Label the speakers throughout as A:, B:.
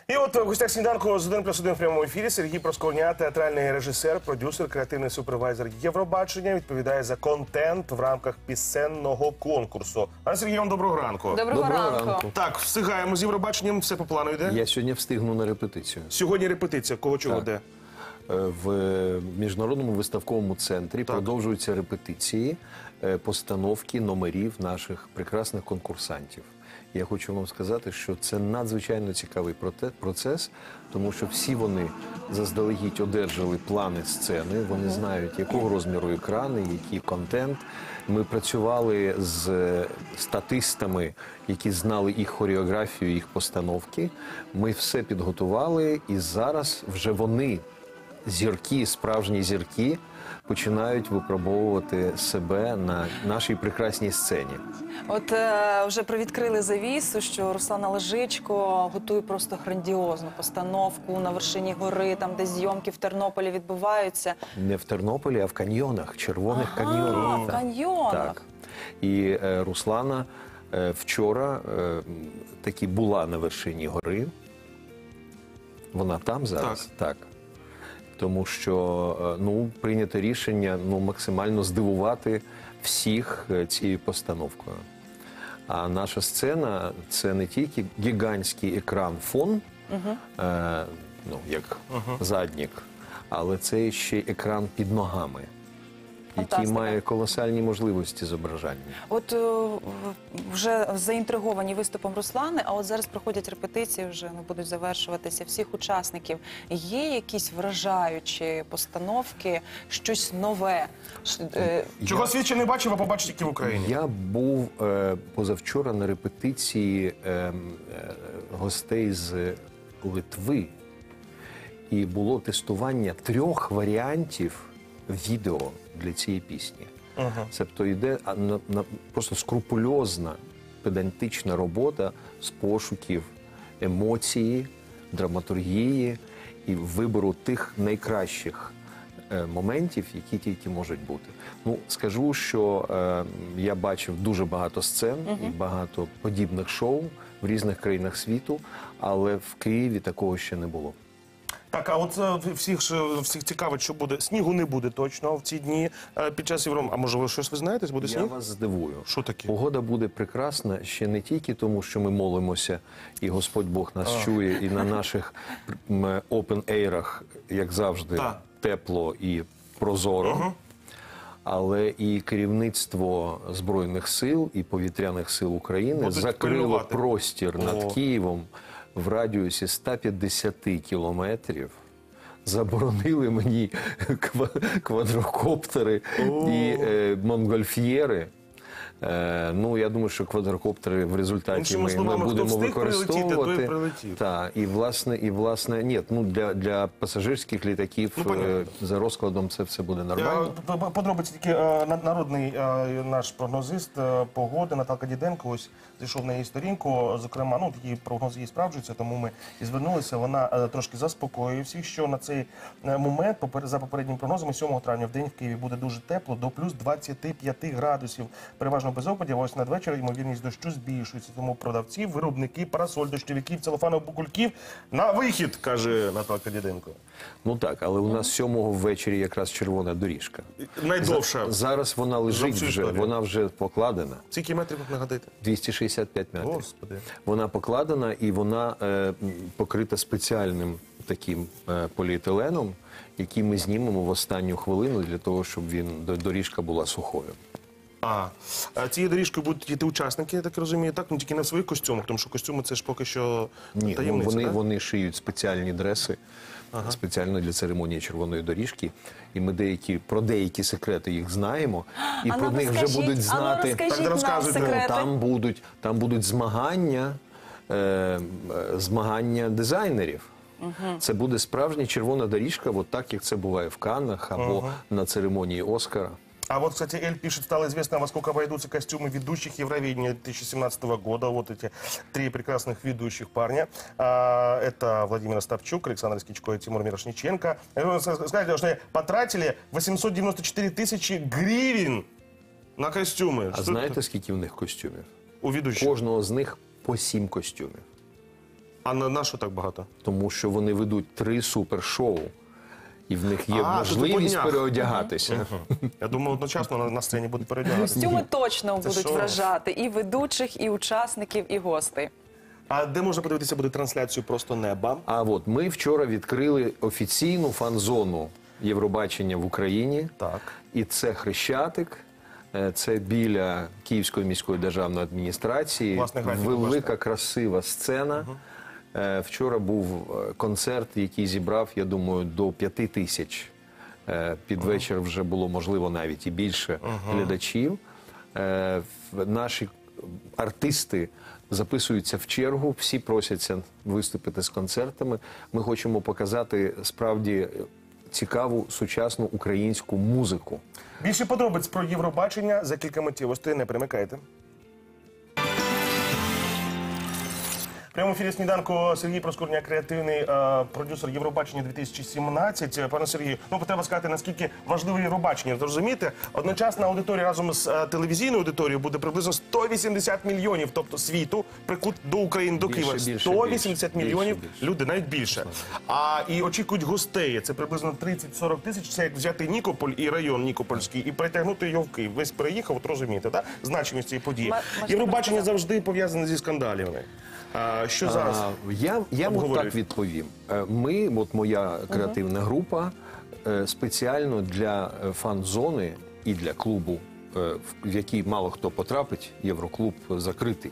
A: І от в гостях сніданку з 1+1 в прямому ефірі Сергій Проскурня, театральний режисер, продюсер, креативний супервайзер Євробачення, відповідає за контент в рамках пісенного конкурсу. Пане Сергій, вам доброго ранку.
B: Доброго ранку.
A: Так, встигаємо з Євробаченням, все по плану йде?
C: Я сьогодні встигну на репетицію.
A: Сьогодні репетиція, кого чого де?
C: В Міжнародному виставковому центрі продовжуються репетиції, постановки номерів наших прекрасних конкурсантів. Я хочу вам сказати, що це надзвичайно цікавий процес, тому що всі вони заздалегідь одержали плани сцени, вони знають, якого розміру екрани, який контент. Ми працювали з статистами, які знали їх хореографію, їх постановки. Ми все підготували, і зараз вже вони, зірки, справжні зірки, починають випробовувати себе на нашій прекрасній сцені.
B: От вже привідкрили завісу, що Руслана Лежичко готує просто грандіозну постановку на вершині гори, там, де зйомки в Тернополі відбуваються.
C: Не в Тернополі, а в каньйонах, червоних каньйонах.
B: В каньйонах.
C: Так. І Руслана вчора таки була на вершині гори. Вона там зараз? Так. Тому що прийнято рішення максимально здивувати всіх цією постановкою. А наша сцена – це не тільки гігантський екран-фон, як заднік, але це ще екран під ногами, який має колосальні можливості зображання.
B: От вже заінтриговані виступом Руслани, а от зараз проходять репетиції, вже будуть завершуватися всіх учасників. Є якісь вражаючі постановки, щось нове?
A: Чого світ ще не бачив, а побачить тільки в Україні?
C: Я був позавчора на репетиції гостей з Литви, і було тестування 3 варіантів відео для цієї пісні. Тобто йде просто скрупульозна, педантична робота з пошуків емоції, драматургії і вибору тих найкращих моментів, які тільки можуть бути. Скажу, що я бачив дуже багато сцен і багато подібних шоу в різних країнах світу, але в Києві такого ще не було.
A: Так, а от всіх цікавить, що буде. Снігу не буде точно в ці дні під час Євробачення. А може, щось ви знаєте, буде сніг?
C: Я вас здивую.
A: Що таке?
C: Погода буде прекрасна ще не тільки тому, що ми молимося, і Господь Бог нас чує, і на наших опен-ейрах, як завжди, тепло і прозоро. Але і керівництво Збройних сил і Повітряних сил України закрило простір над Києвом в радіусі 150 кілометрів, заборонили мені квадрокоптери і монгольф'єри. Я думаю, що квадрокоптери в результаті ми будемо використовувати. Ні, для пасажирських літаків за розкладом це все буде нормально.
A: Подробиці тільки народний наш прогнозист погоди Наталка Діденко ось зайшов на її сторінку. Зокрема, такі прогнози її справджуються, тому ми і звернулися. Вона трошки заспокоює всіх, що на цей момент, за попередніми прогнозами, 7 травня в день в Києві буде дуже тепло, до плюс 25 градусів. Переважно без опадів, ось надвечір ймовірність дощу збільшується. Тому продавці, виробники парасоль, дощовиків, целофанових букульків на вихід, каже Наталка Діденко.
C: Так, але у нас 7-го ввечері якраз червона доріжка.
A: Найдовша.
C: Зараз вона лежить вже, вона вже покладена.
A: Скільки метрів, нагадайте?
C: 265 метрів.
A: Господи.
C: Вона покладена і вона покрита спеціальним таким поліетиленом, який ми знімемо в останню хвилину для того, щоб доріжка була сухою.
A: Цією доріжкою будуть йти учасники, я так розумію, так? Тільки не в своїх костюмах, тому що костюми це ж поки що таємниця, так?
C: Вони шиють спеціальні дреси, спеціально для церемонії червоної доріжки. І ми про деякі секрети їх знаємо, і про них вже будуть знати. Там будуть змагання дизайнерів. Це буде справжня червона доріжка, так як це буває в Каннах або на церемонії Оскара.
A: А вот, кстати, Эль пишет, стало известно, во сколько обойдутся костюмы ведущих Евровидения 2017 года. Вот эти 3 прекрасных ведущих парня. Это Владимир Остапчук, Александр Скичко и Тимур Мирошниченко. Сказали, что потратили 894 тысячи гривен на костюмы.
C: А знаєте, скільки в них костюмів?
A: У ведущих?
C: Кожного з них по 7 костюмів.
A: А на що так багато?
C: Тому що вони ведуть 3 супершоу. І в них є
A: А, то по
C: можливість
A: днях.
C: переодягатися.
A: Я думаю, одночасно на сцені будуть переодягатися.
B: Костюми точно
A: Це
B: будуть
A: що?
B: вражати і ведучих, і учасників, і гостей.
A: А де можна подивитися буде трансляцію «Просто неба»?
C: А от ми вчора відкрили офіційну фан-зону Євробачення в Україні.
A: Так.
C: І це Хрещатик, це біля Київської міської державної адміністрації.
A: Власне, графік,
C: Велика,
A: бачите.
C: красива сцена. Вчора був концерт, який зібрав, я думаю, до 5 тисяч. Під вечір вже було, можливо, навіть і більше глядачів. Наші артисти записуються в чергу, всі просяться виступити з концертами. Ми хочемо показати справді цікаву сучасну українську музику.
A: Більше подробиць про Євробачення за кілька миттєвостей. Не перемикайте. В прямому ефірі «Сніданку» Сергій Проскурня, креативний продюсер Євробачення 2017. Пане Сергію, треба сказати, наскільки важливе Євробачення. Зрозумієте, одночасна аудиторія разом з телевізійною аудиторією буде приблизно 180 мільйонів, тобто світу, прикут до України, до Києва. 180 мільйонів люди, навіть більше. І очікують гостей. Це приблизно 30-40 тисяч. Це як взяти Нікополь і район Нікопольський і перетягнути його в Київ. Весь переїхав, от розумієте, так? Значимість цієї події. Євробачення завжди пов'язане зі скандалами. Що зараз?
C: Я от так відповім. Ми, от моя креативна група, спеціально для фан-зони і для клубу, в який мало хто потрапить, Євроклуб закритий.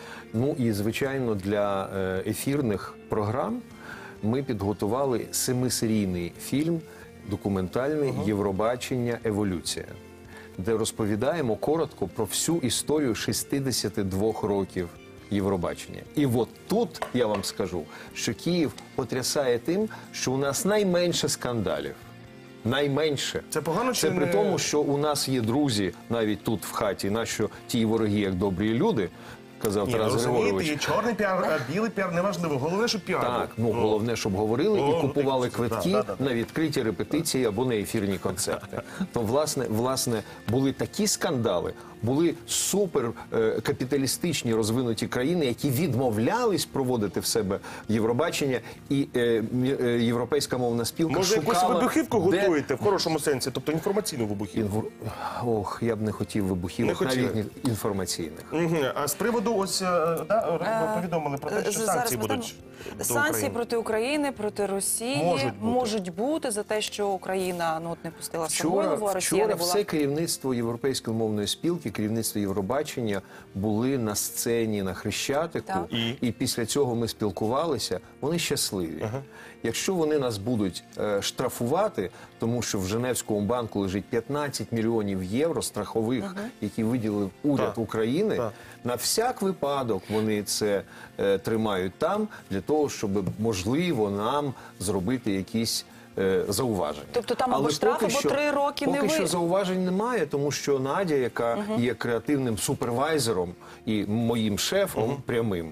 C: Ну і, звичайно, для ефірних програм ми підготували 7-серійний фільм документальний «Євробачення. Еволюція», де розповідаємо коротко про всю історію 62 років Євробачення. І от тут я вам скажу, що Київ потрясає тим, що у нас найменше скандалів. Найменше.
A: Це погано чи
C: Це при
A: не-
C: тому, що у нас є друзі навіть тут в хаті, нащо ті вороги, як добрі люди, казав Тарас
A: Розумієте,
C: Григорович.
A: є чорний піар, білий піар, неважливо. Головне, що піар.
C: Так, головне, щоб говорили і купували квитки
A: да.
C: на відкриті репетиції або на ефірні концерти. То, власне, були такі скандали, були супер капіталістичні розвинуті країни, які відмовлялись проводити в себе Євробачення, і європейська мовна спілка
A: Може,
C: шукала...
A: якусь вибухівку
C: де-
A: готуєте в хорошому сенсі, тобто інформаційну вибухівку?
C: Ох, я б не хотів вибухівок,
A: Не хотіли?
C: навіть інформаційних.
A: А з приводу ось, повідомили про те, що санкції будуть до
B: Санкції
A: України.
B: проти України, проти Росії можуть бути за те, що Україна не пустила Самойлову, а Росія
C: Вчора
B: не була.
C: все керівництво Європейської мовної спілки, керівництво Євробачення були на сцені на Хрещатику.
B: Так.
C: І після цього ми спілкувалися. Вони щасливі. Якщо вони нас будуть штрафувати, тому що в Женевському банку лежить 15 мільйонів євро страхових, які виділив уряд України, на всяк випадок вони це тримають там, для того, щоб, можливо, нам зробити якісь зауваження.
B: Тобто там або
C: Але
B: штраф,
C: поки
B: або
C: що-
B: 3 роки не
C: Поки що
B: ви-
C: зауважень немає, тому що Надя, яка є креативним супервайзером і моїм шефом прямим,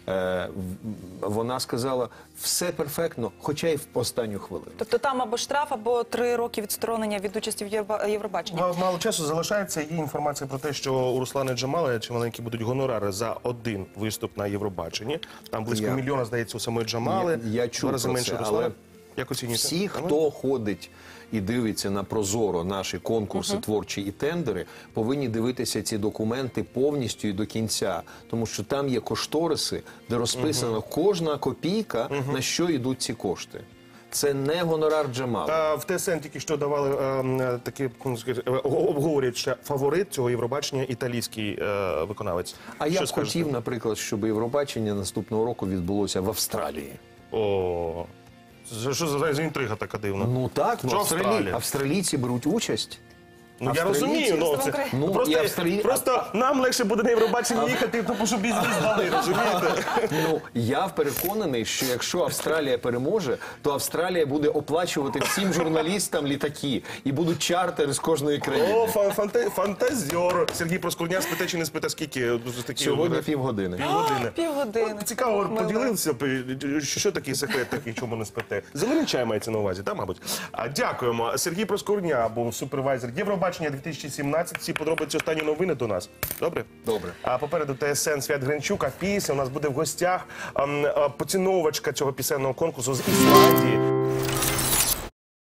C: вона сказала, все перфектно, хоча й в останню хвилину.
B: Тобто там або штраф, або 3 роки відсторонення від участі в Євробаченні.
A: Мало часу залишається. Є інформація про те, що у Руслани Джамали чималенькі будуть гонорари за один виступ на Євробаченні. Там близько мільйона, здається, у самої Джамали.
C: Я чув
A: В 2 рази
C: про
A: менше
C: це,
A: Руслана.
C: але
A: Як оцінюєте?
C: всі, хто ходить і дивиться на Прозоро наші конкурси творчі і тендери, повинні дивитися ці документи повністю і до кінця. Тому що там є кошториси, де розписано кожна копійка, на що йдуть ці кошти. Це не гонорар Джамали.
A: В ТСН тільки що давали такі, обговорюють ще фаворит цього Євробачення, італійський виконавець.
C: А я
A: Що
C: б
A: скажете?
C: хотів, наприклад, щоб Євробачення наступного року відбулося в Австралії.
A: О, це що за інтрига така дивна?
C: Ну так,
A: Що Австралія?
C: австралійці беруть участь.
A: Ну, я розумію,
B: Ну,
A: просто нам легше буде на Євробачення їхати, тому що бізнес дали, розумієте?
C: Ну, я переконаний, що якщо Австралія переможе, то Австралія буде оплачувати всім журналістам літаки і будуть чартери з кожної країни.
A: О, фантазер. Сергій Проскурня, спите чи не спите, скільки?
C: Сьогодні півгодини.
A: Півгодини.
B: Півгодини.
A: Цікаво, поділився, що такий секрет, такий, чому не спите. Зелений чай мається на увазі, так, мабуть? Дякуємо. Сергій Проскурня був супервайзер Євробачення Євробачення 2017. Всі подробиці, останні новини до нас. Добре?
C: Добре.
A: А попереду ТСН Свят Гринчук, а після у нас буде в гостях поціновувачка цього пісенного конкурсу з Ісландії.